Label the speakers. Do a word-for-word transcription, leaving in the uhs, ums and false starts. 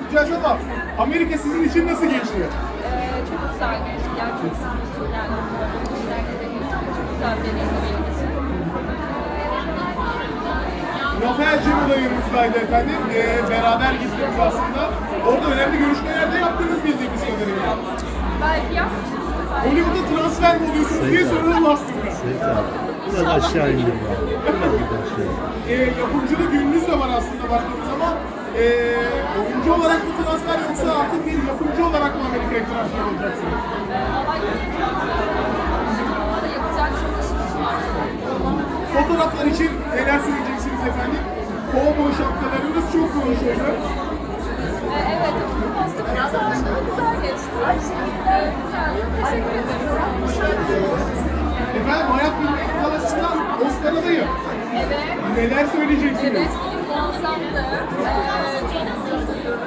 Speaker 1: gideceğiz ama Amerika sizin için nasıl geçti?
Speaker 2: Ee, çok güzel geçti. Gerçekten yani çok güzel bir deneyim benim için.
Speaker 1: Rafael Cemil ayımızdaydı efendim. Ee, beraber gittiniz aslında. Orada önemli görüşmeler de yaptınız bildiğimiz kadarıyla.
Speaker 2: Belki yapmışsınız.
Speaker 1: Hollywood'a transfer mi oluyorsunuz diye soralım aslında.
Speaker 3: Seyit abi. Biraz aşağı indim ya. Biraz bir aşağı.
Speaker 1: Ee, yapımcılık ününüz de var aslında baktığımız zaman. Ee, oyuncu olarak mı transfer yoksa artık bir yapımcı olarak mı Amerika'ya transfer olacaksınız?
Speaker 2: Yapacak çok işimiz var.
Speaker 1: Fotoğraflar için neler söyleyeceksiniz efendim? Kovboy şapkalarınız çok konuşuldu.
Speaker 2: Ee, evet, posta biraz aslında güzel geçti. Ee, güzel, teşekkür ederim.
Speaker 1: Efendim Hayat Bilmek Kalası'ndan Oscar adayı.
Speaker 2: Evet.
Speaker 1: Neler söyleyeceksiniz?
Speaker 2: Evet, film muazzamdı. Ee, çok mutluyum.